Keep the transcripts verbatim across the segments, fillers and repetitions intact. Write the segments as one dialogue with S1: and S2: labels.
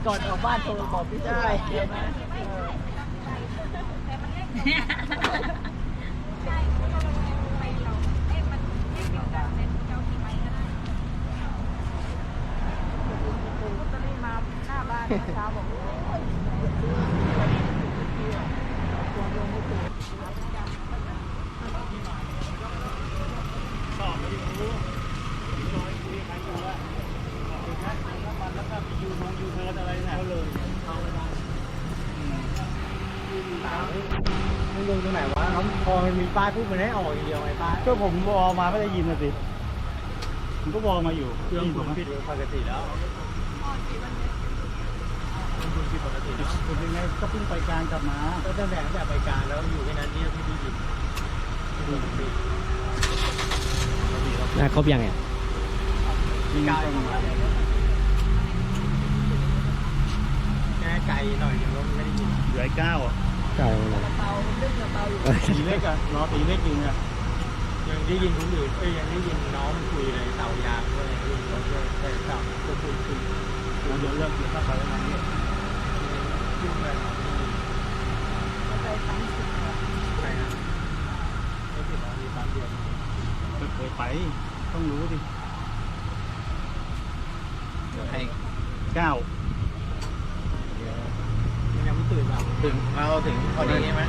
S1: ก่อนออกบ้านโทรบอกพี่ได้เดี๋ยวนะเช้าบอกสอบไม่รู้น้อยคุยใครอยู่ว่าแค่น้ำมันแล้วก็มียูนงยูเทิร์นอะไรเนี่ยก็เลยเอาเวลาไม่ลงตรงไหนวะเขาพอมันมีป้ายพูดมันให้ออกอย่างเดียวไอ้ป้ายก็ผมวอมาไม่ได้ยินนะสิผมก็วอมาอยู่เครื่องผมปิดปกติแล้วปกติแล้วคุณเป็นไงก็เพิ่งไปการกลับมาก็ตั้งแต่ตั้งแต่ไปการแล้วอยู่แค่นั้นที่ที่ได้ยิน
S2: น่าครบยังไง
S1: มีการแค่ไกลหน่อยเดียวไม่ได้ยินเหลือเก้าอ่ะ
S2: ไก่เลย
S1: เบาเล็กเบาอยู่ตีเล็กอ่ะรอตีเล็กอยู่เนี่ยยังได้ยินคนอื่นเอ้ยยังได้ยินน้องคุยเลยเต่ายางด้วยได้ยินเขาด้วยแต่เต่าก็คุยคุยเดี๋ยวเลิกเดี๋ยวเข้าไปแล้วนะยุ่งเลยไปปั๊มสิบไปนะไม่ติดแล้วมีปั๊มเดียวไม่เคยไปต้องรู้ดิให้เก้ายังไม่ตื่นเราถึงเราถึงพอดีใช่ไหม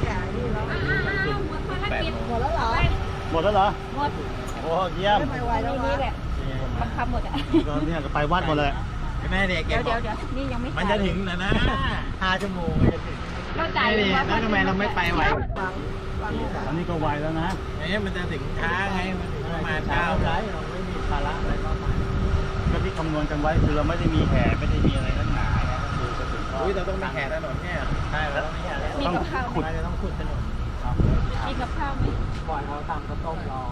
S1: แปดโมงหมดแล้วเหรอหมดแล้วเหรอหมดโอ้เยี่ยม
S3: นี่นี่แหละบังคับหมดอ่ะ
S1: ก็เนี่ยก็ไปวัดหมดเลยแม่เด็ก
S3: เดี๋ยวเดี๋ยวเดี๋ยวนี่ยังไม่
S1: มันจะถึงแล้วนะห้าชั่วโมงจะถึง
S3: เราจ่าย
S1: แล้วทำไมเราไม่ไปไหวอันนี้ก็ไวแล้วนะนี่มันจะถึงช้าไงมันประมาณเช้าไรเราไม่มีภาระอะไรมากมายก็ที่คำนวณกันไว้คือเราไม่ได้มีแห่ไม่ได้มีอะไรนักหนาคือจะถึงอุ้ยเราต้องมีแห่ถนนเนี่ยใช่แล้วต้องขุดต้องขุดถนน
S3: มีกับข้าวไหม
S1: ก่อนเขาทำก็ต้มรอ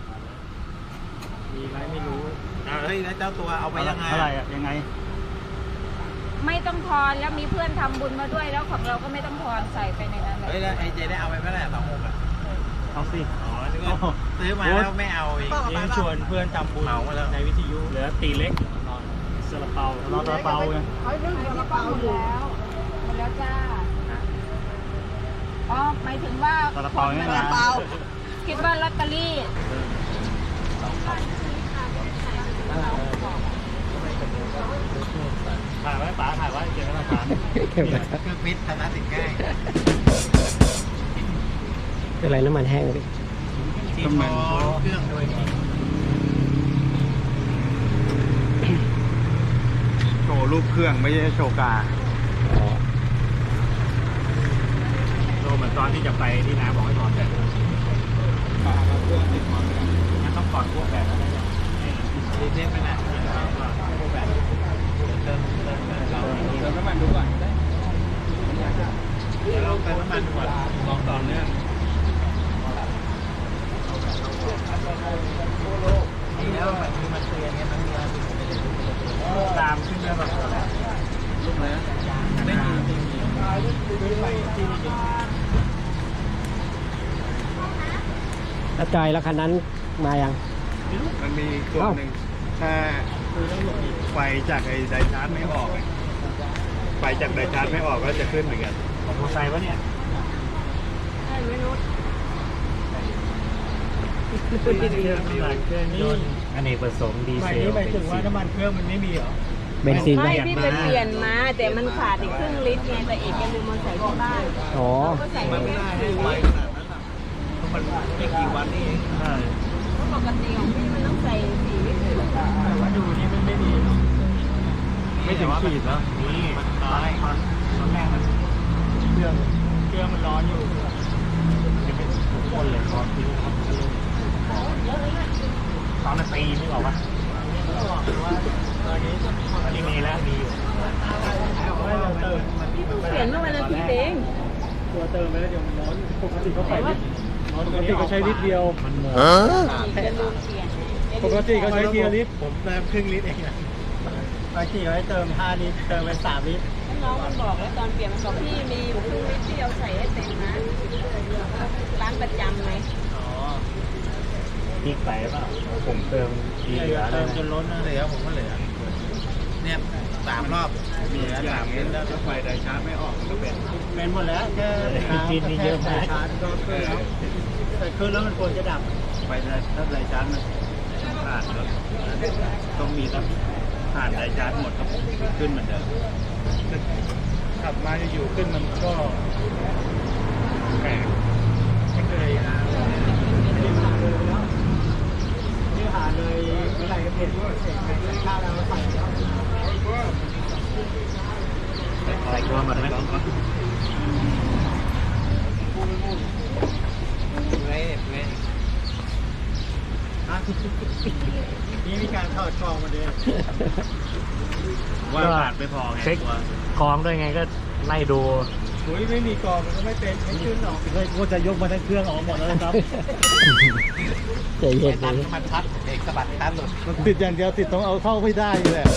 S1: มีไหมไม่รู้เฮ้ยแล้วเจ้าตัวเอาไปยังไงอะไรอะยังไง
S3: ไม่ต้องทอนแล้วมีเพื่อนทำบุญมาด้วยแล้วของเราก็ไม่ต้องทอนใส่ไปในนั้นเลย
S1: เฮ้ยแล้วไอเจได้เอาไปเมื่อไหร่สองหกอ่ะเอาสิอ๋อซื้อมาแล้วไม่เอาอีกนี่ชวนเพื่อนทำบุญเหมามาแล้วในวิทยุเหลือตีเล็กซาลาเปาเราซาลาเปาไง
S3: เขาเรื่องซาลาเปาอยู่แล้วหมดแล้วจ้าอ๋อหมายถึงว่า
S1: ซาลาเปาไม่มา
S3: คิดว่าลอตเตอรี่
S1: ถ่ายไว้ป๋าถ่ายไว้เก็บไว้หลักฐานเครื่องฟิตธนาติดง่าย
S2: เป็นไรน้ำมันแห้งเลย
S1: ที่พอเครื่องโดยโชว์รูปเครื่องไม่ใช่โชว์กาโชว์เหมือนตอนที่จะไปที่น้าบอกให้ถอดแบบกาเครื่องติดมอเตอร์งั้นต้องถอดพวกแบบนั้นรีเซ็ตไปนะพวกแบบเติมเติมเราเติมน้ำมันดูก่อนเราเติมน้ำมันดูก่อนลองต่อเนื่องแล้วมันมีมันเตือนไงมันมีอะไรตามขึ้นแล้วแบบลุกเลยไม่มีจริงจริงไปที่นี่
S2: แล้วจอยแล้วคันนั้นมายัง
S1: มันมีตัวหนึ่งถ้าไฟจากไอ้ไดชาร์จไม่ออกไฟจากไดชาร์จไม่ออกก็จะขึ้นเหมือนกันของมอเตอร์ไซค์วะเนี่ย
S3: ใช่ไม่รู้
S1: อันนี้ผสมดีเซลหมายถึงว่าน้ำมันเครื่องมันไม่มีเหรอ
S2: เบนซิน
S3: ไม่พี่ไปเปลี่ยนมาแต่มันขาดอีกครึ่งลิตรไงแต่เอกยังลืมมาใส่ที่บ้าน
S2: อ๋อ
S3: ก็ใส่ไม่ได้
S1: ให้ไวขนาดนั้นอ่ะมันไม่กี่วันนี่เองใช่
S3: ปกติของพี่มันต้องใส่สี่ลิตร
S1: แต่ว่าดูนี่มันไม่มีไม่ถึงขีดแล้วนี่มันน้อยตอนตอนแรกมันเครื่องเครื่องมันร้อนอยู่จะเป็นคนเลยร้อนทิ้งครับตอนนั้นตีไม่บอกว่าตอนนี้ตอนนี้มีแล้วมีอยู่
S3: เปลี่ยนเมื่อวันอาทิตย์เอง
S1: ตัวเติมไปแล้วเดี๋ยวมันร้อนปกติเขาใส่ปกติเขาใช้ลิตรเดียวมันหมดปกติเขาใช้เทียลิตรผมเติมครึ่งลิตรเองนะบางทีเขาให้เติมห้าลิตรเติมไปสามลิตร
S3: น้องมันบอกแล้วตอนเปลี่ยนมันบอกพี่มีอยู่ครึ่งลิตรที่เอาใส่ให้เต็มนะร้านประจำไหม
S1: อ๋อนี่ใส่ป่ะผมเติมทีเหลือเติมจนล้นนะเหลือผมก็เหลือเนี่ยไปสามรอบมีแล้วสามเมตรแล้วถ้าไฟไดชาร์จไม่ออกมันก็เป็นเป็นหมดแล้วแค่กินนี่เยอะมากชาร์จก็ขึ้นแล้วแต่ขึ้นแล้วมันควรจะดับไฟถ้าไดชาร์จมันขาดก็ต้องมีต้องผ่านไดชาร์จหมดก็ขึ้นเหมือนเดิมขับมาจะอยู่ขึ้นมันก็แปลกไม่เคยนะนี่ผ่านเลยแล้วนี่ผ่านเลยเมื่อไหร่ก็เป็นเสร็จเป็นข้าวแล้วใส่แล้วใส่ตัวมาไหมเว้ยเว้ยนี่มีการถอดกองมาเลยว่าผ่านไม่พอไงเช็คกองด้วยไงก็ไล่ดูอุ้ยไม่มีกองมันก็ไม่เป็นไม่ขึ้นหรอกเลยก็จะยกมาทั้งเครื่องออกหมดเลยครับ
S2: ใจเย็น
S1: ตัด
S2: เลย
S1: มันพัดเอกสะบัดตัดหลุดมันติดอย่างเดียวติดต้องเอาเข้าไม่ได้แหละ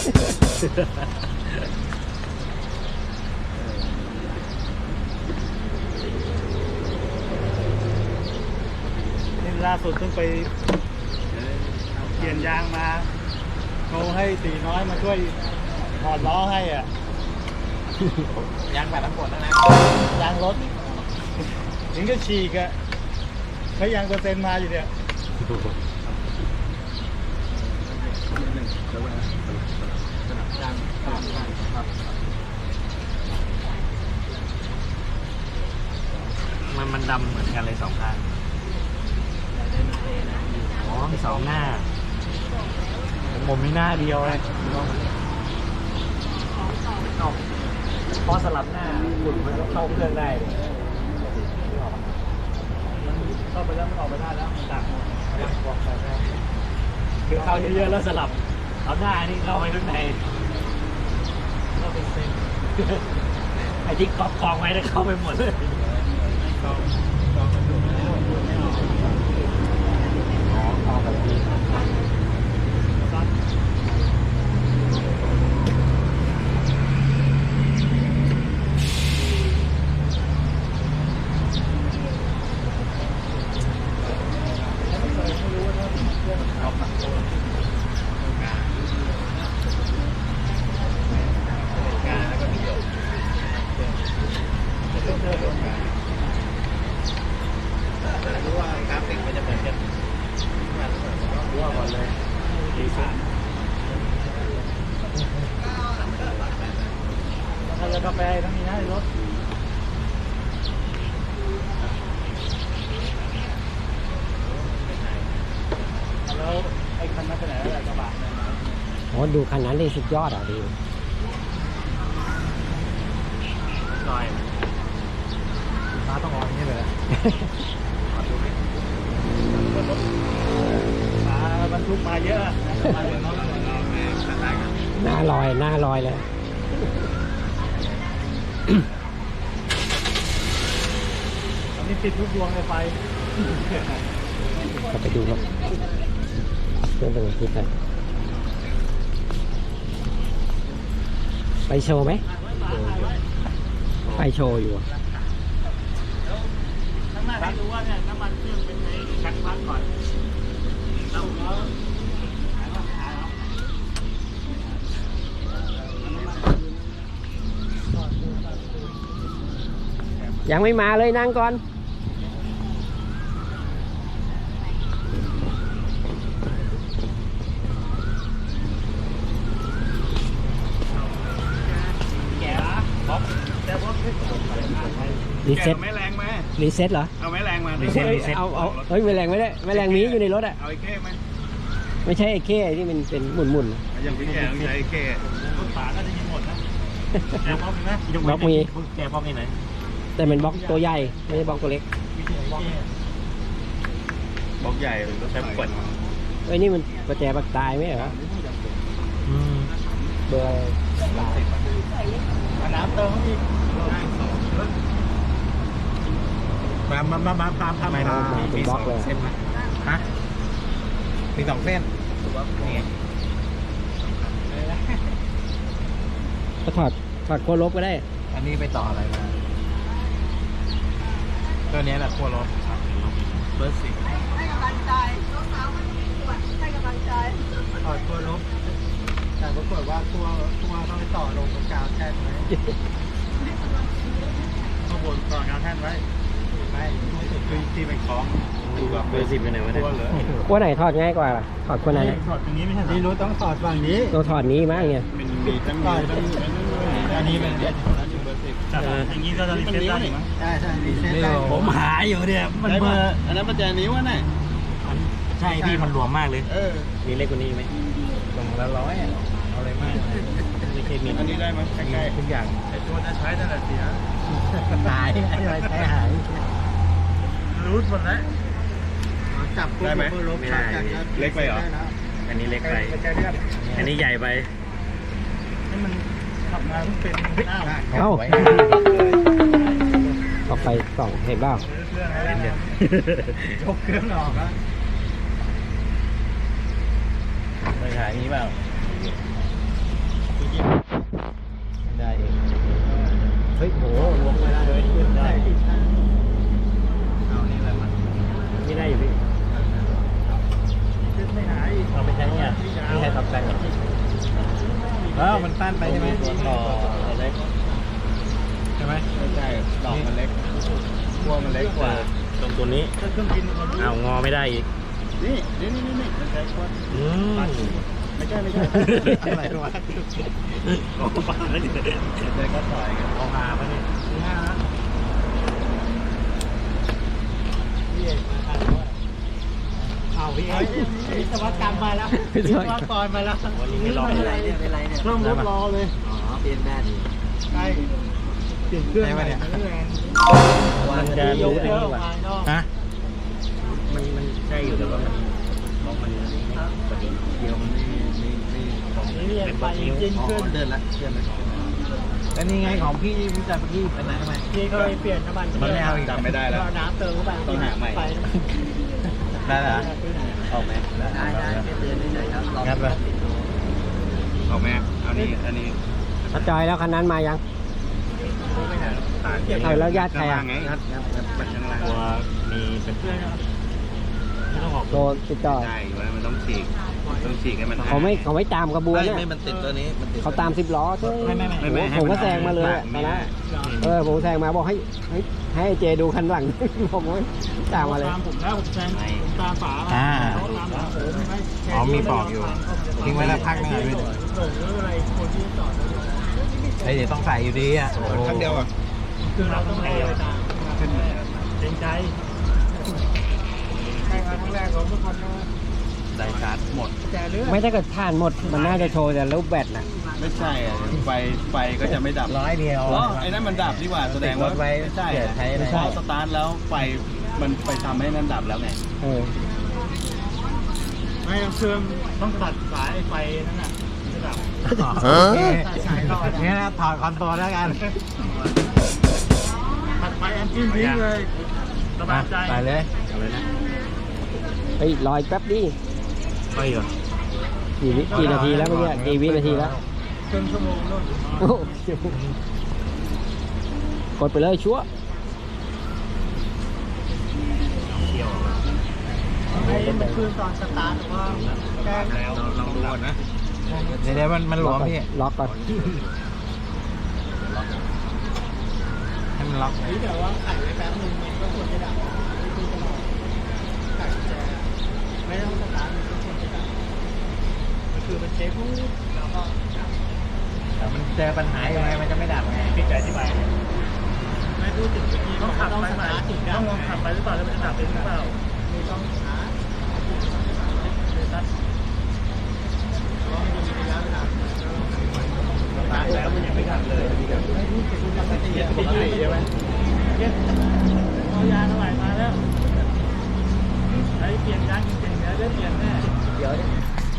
S1: นี่ล่าสุดเพิ่งไปเปลี่ยนยางมาโทรให้ตีน้อยมาช่วยถอดล้อให้อ่ะยางแบบทั้งหมดแล้วนะยางรถถึงก็ฉีกอ่ะใช้ยางเปอร์เซ็นต์มาอยู่เนี่ยมันมันดำเหมือนกันเลยสองข้างอ๋อมีสองหน้าผมมีหน้าเดียวเลยพอสลับหน้าฝุ่นมันก็เข้าเครื่องได้เลยเข้าไปแล้วมันออกไปได้แล้วมันตักคือเข้าเยอะๆแล้วสลับเอาหน้านี่เข้าไปข้างในก็เป็นเส้นไอ้ที่กองกองไว้ได้เข้าไปหมดเลยกองกองมันดูไม่ออกไม่ออกอ๋อกองแบบนี้รู้ว่ากราฟิกมันจะเหมือนกันรู้ว่าก่อนเลยดีสุดถ้าจะกาแฟต้องมีนะรถแล้วไอ้คันนั้นไปไหนแล้วกระบะ
S2: โอ้ดูคันนั้นเลยสุดยอดอ่ะดิ
S1: ลอยตาต้องออกอย่างนี้เลยมาบรรทุกมาเยอะมาเยอะเนาะ
S2: หน้าลอยหน้าลอยเลย
S1: ตอนนี้ติดทุกดวงเลยไฟ
S2: ก็ไปดูครับเครื่องเป็นทิศเลยไปโชว์ไหมไปโชว์อยู่
S1: ข้างหน้าให้ดูว่าเนี่ยน้ำมันเครื่องเป็นไงชักพักก่อนแล้ว
S2: ยังไม่มาเลยนั่งก่อนรีเซ็ต
S1: ไม่แรงไหม
S2: รีเซ็ตเหรอ
S1: เอาไม่แรงมา
S2: เอาเอาเฮ้ยไม่แรงไม่ได้ไม่แรงมีอยู่ในรถอ่ะ
S1: เอาไอ้เข้ไหม
S2: ไม่ใช่ไอ้เข้ที่มันเป็นหมุนหมุน
S1: อย่างพี่แกต้องใช้ไอ้เข้รถฝาก็จะยิงหมดนะแกบล็อกมีไหม
S2: บล็อกมี
S1: แกบล็อกมีไหน
S2: แต่เป็นบล็อกตัวใหญ่ไม่ใช่บล็อกตัวเล็ก
S1: บล็อกใหญ่รถใช้ขวด
S2: เอ้ยนี่มันประแจบักตายไหมเหรอเบอร์ตาย
S1: น้ำเติมอีกมามามามาตามทำ
S2: มาเป็นบล็อกเลย
S1: ฮะมีสองเส้นนี่
S2: ก็ถอดถอดโค้ดลบก็ได้
S1: อันนี้ไปต่ออะไรมาตัวนี้แหละขั้วรถเบอร์สี่ให้กำลังใจน้องสาวมันปวดให้กำลังใจถอดขั้วลบแต่ปรากฏว่าตัวตัวต้องไปต่อลงกับกาวแท่นไว้ข้างบนต่อกาวแท่นไว้ไม่ตัวสุดคือที่เป็นคล้องดูแบบ
S2: เบอร์สิบเป็นไหนวะเนี่ย
S1: ตัวเหรอ
S2: ขั้วไหนถอดง่ายกว่าล่ะถอดขั้วไหนเนี่ย
S1: ถอดตรงนี้ไม่ใช่ที่รู้ต้องถอดฝั่งนี้
S2: ตัวถอดนี้มั้งเนี่ย
S1: เป็นมีตั้งมีตั้งอันนี้เป็นอันนี้เบอร์สิบอย่างนี้ก็จะรีเซ็ตได้มั้งใช่ใช่รีเซ็ตได้
S2: ผมหาอยู่เนี่ยมันเบอร์
S1: อันนั้นประแจนิ้วอ่ะน่ะ
S2: ใช่พี่มันรวมมากเลย
S1: เออ
S2: มีเล็กกว่านี้ไหมลงละร้อยอ่ะเอาอะไรมากไม่ใช่มี
S1: อันนี้ได้มั้ยใกล้ๆ
S2: ทุกอย่าง
S1: ไอ้ตัวจะใช้นั่นแหละเสีย
S2: หายอะไรใช้หาย
S1: รูดหมดแล้วจับได้ไหม
S2: ไม่ได้
S1: เล็กไปเหรอ
S2: อันนี้เล็กไปอันนี้ใหญ่ไป
S1: ให้มันขับมาเพิ่งเป็นอ้าว
S2: เอ้าออกไปสองเห็นเปล่า
S1: เครื่องอะไรเนี่ยยกเครื่องออกแล้ว
S2: ไม่หายนี้เปล่าได้เองเฮ้ยโหลวงไม่ได้เลยได้เอานี่อะไรมาไม่ได้อยู่พี่
S1: ขึ้นไม่หาย
S2: เราไปใช้เนี่ยที่ใช้ทับแซงแล้วมันสั้นไปใช่ไหมต่อเล็กใช่ไหม
S1: ไม่ใช่ดอกมันเล็กพวงมันเล็กกว่า
S2: ตรงตัวนี้
S1: เครื่องกินมัน
S2: เอางอไม่ได้อีก
S1: นี่นี่นี่นี่มันใช้ก้อน
S2: อืม
S1: ไม่ใช่ไม่ใช่อะไรวะโอ้บ้าแล้วเนี่ยใช้ก้อนถอยกัน
S2: เอาหาปะเนี่ย
S1: นี่ฮะพี่เอกมาทันด้วยเอาพี่เอกวิศวกรรมมาแล้ววิศวกรมาแล้ว
S2: วันนี้ไม่รอ
S1: เป็น
S2: เล
S1: ไร
S2: ย
S1: เนี่ยเป็นไรเนี่ยเครื่องรถรอเลย
S2: อ๋อเปลี่ยนได้ดี
S1: ใช่เปลี่ยนเครื่องใหม่ทั้งแรง
S2: มันจะ
S1: ย
S2: รู้
S1: ก
S2: อัน
S1: เยอะ
S2: นี้ว่ะ
S1: ภายนอก
S2: ฮะมันมันใช่อยู่แต่ว่ามันบล็อกมันพอดีเดียวมันไม่ไม่ไม่ตรง
S1: นี่เนี่ยไปจริงขึ้นเดินละเดินละ
S2: แล้วนี่ไงของพี่พี่จัดพี่เป็นไหนทำไม
S1: พี่ก็เลยเปลี่ยนน้ำมัน
S2: มันไม่เอาอีก
S1: จำไม่ได้แล้วน้ำเติมเข้าไป
S2: ต้องหาใหม่
S1: ไป
S2: ได้เหรอออกไหมได้ได้เตือนได้เลยครับงัดไป
S1: ออกไหมอันนี้อันนี้
S2: ถ้าจอยแล้วคันนั้นมายัง เอาแล้วญาติใครอ่ะ
S1: ไงงัดงัดงัดปัดข้างล่าง
S2: ตัวมีเป็นไม่ต้องออกโดนติดต่อ
S1: ใช่ว่ามันต้องฉีกต้องฉีกให้มัน
S2: เขาไม่เขาไม่ตามกระบวนเนี่ย
S1: ไม่มันติดตัวนี้มันติด
S2: เขาตามสิบล้อใช่
S1: ไม่ไม่ไม่
S2: โอ้โหผมก็แซงมาเลยอะตอนนั้นเออผมแซงมาบอกให้ให้ให้เจดูคันหลัง ผมก็ตามมาเลย
S1: ตามผมแล้วผมแซงผมตามฝา
S2: อ่า
S1: เขาตามฝาผมไม่
S2: อ๋อมีปอกอยู่ทิ้งไว้แล้วพักหนึ่งเลย
S1: หลงหรืออะไรคนที่จอดแล้ว
S2: เฮ้ยเดี๋ยวต้องใส่อยู่ดีอ่ะ
S1: ครั้งเดียวอ่ะคือเราต้องเลี้ยวตามขึ้นเกรงใจใช่ครั้งแรกเราทุกคนนะ
S2: ได้ชาร์จหมด
S1: แต่เรื่อง
S2: ไม่ถ้าเกิดผ่านหมดมันน่าจะโชว์แต่รูปแบตน่ะ
S1: ไม่ใช่อ่ะไฟไฟก็จะไม่ดับ
S2: ร้อยเดียว
S1: อ๋อไอ้นั่นมันดับดีกว่าแสดงว่า
S2: ติดรถไว้
S1: ไม่ใช่
S2: เสียใช้อะไร
S1: พอสตาร์ทแล้วไฟมันไปทำให้นั่นดับแล้วไง
S2: เออ
S1: ไม่ต้องเชื่อมต้องตัดสายไฟนั่นน่ะจะดับ
S2: ตัดสายรอดนี่นะถอดคอนโซลแล้วกัน
S1: ตัดไฟแอนจิ้นทิ้งเลยสบายใจ
S2: ไปเลยเอาเลยนะเฮ้ยรอยแป๊บดิไปเหรอกี่วิกี่นาทีแล้วเมื่อกี้กี่วินาทีแล้ว
S1: ครึ่งชั่วโมงนู่น
S2: โอ้โหกดไปเลยชัวร์
S1: ไอ้มันคืนตอนสตาร์ทว่าแกล้งแล้วลองดูก่อนนะ
S2: เดี๋ยวมันมันหลวมพี่ล็อกก่อนให้มันล็อก
S1: นี่แต่ว่าไขไว้แป๊บนึงมันก็ควรจะดับไม่ต้องไขแจไม่ต้องสตาร์ทมันก็ควรจะดับมันคือมันเช็คปุ๊บแล้วก็ดับ
S2: แต่มันเจอปัญหายังไงมันจะไม่ดับไง
S1: พี่ใจที่ไปไม่พูดถึงเมื่อกี้ต้องขับไปไหมต้องลองขับไปหรือเปล่าแล้วมันจะดับเป็นหรือเปล่าไม่ต้องหาเลยตัดเพราะมันจะมีระยะเวลาตายแล้วมันยังไม่ดับเลยไม่พูดถึงปกติปกติใช่ไหมเอายาเท่าไหร่มาแล้วใช้เปลี่ยนยางจริงๆแล้วได้เปลี่ยนแน่
S2: เดี๋ยวดิ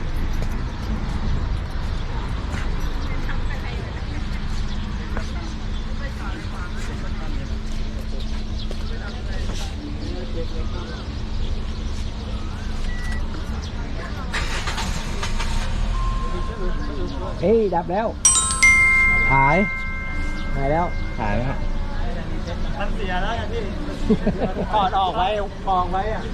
S2: เฮ้ยดับแล้วหายหายแล้วหายแล้ว
S1: มันเสียแล้วไงพี่ถอดออกไว้กองไว้อะ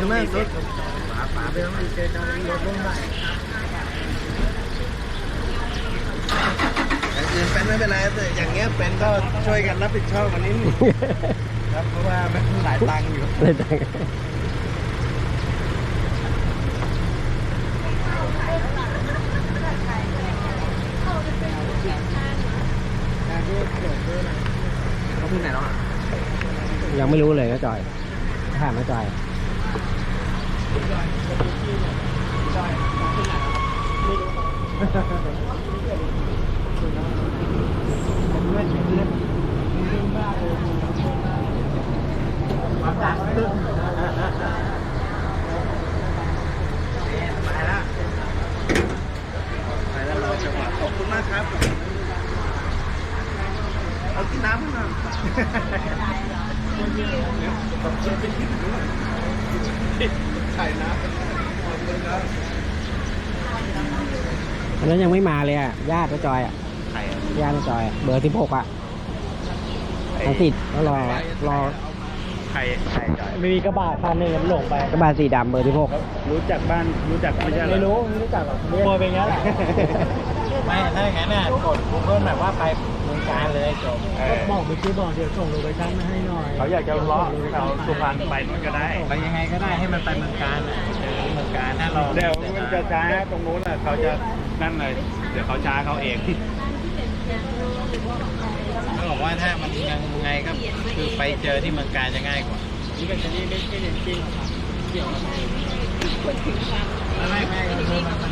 S1: ใช่ไหมรถฝาฝาไปแล้วมันเจอการรถลงได้อย่างอื่นเป็นไม่เป็นไรแต่อย่างเงี้ยเป็นก็ช่วยกันรับผิดชอบวันนี้ครับเพราะว่ามันหลายตังค์อยู่
S2: เลยแต่ง
S1: เขาที่ไหนเนาะ
S2: ยังไม่รู้เลยก็จอยถามไม่จอย
S1: มาจากตึ้งไปแล้วไปแล้วรอจังหวะขอบคุณมากครับเอากินน้ำมาใส่น้ำขอบคุณครับ
S2: อันนั้นยังไม่มาเลยอ่ะญาติก็จอยอ่ะ
S1: ไข่
S2: ญาติก็จอยอะเบอร์สิบหกอ่ะทางติดก็รอรอ
S1: ไข่ไข่จ่อย
S4: มีกระบะคันหนึ่งมันหลงไป
S2: กระบะสีดำเบอร์สิบหก
S1: รู้จักบ้านรู้จักไม่ใช่เหรอ
S4: ไม่รู้ไม่รู้จักหรอกขโมยไปงั้นแหละ
S1: ไม่ถ้าอย่างนั้นน่ะกดเพิ่มแบบว่าไปเมืองการเลยจบ
S4: บอกไปซื้อบอกเดี๋ยวส่งโลเคชั่นมาให้หน่อย
S1: เขาอยากจะเลาะเราสุพรรณไปนู่นก็ได้ไปยังไงก็ได้ให้มันไปเมืองการน่ะเจอเมืองการถ้าเราเดี๋ยวมันจะช้าตรงนู้นน่ะเขาจะนั่นเลยเดี๋ยวเขาช้าเขาเองเขาบอกว่าถ้ามันยังไงก็คือไปเจอที่เมืองการจะง่ายกว่า
S4: นี่ก็จะนี่ไม่ใช่เรื่องจริงเกี่ยวกับ
S3: คนถึงความ
S1: ไม่ไม่ไม่คือมันมัน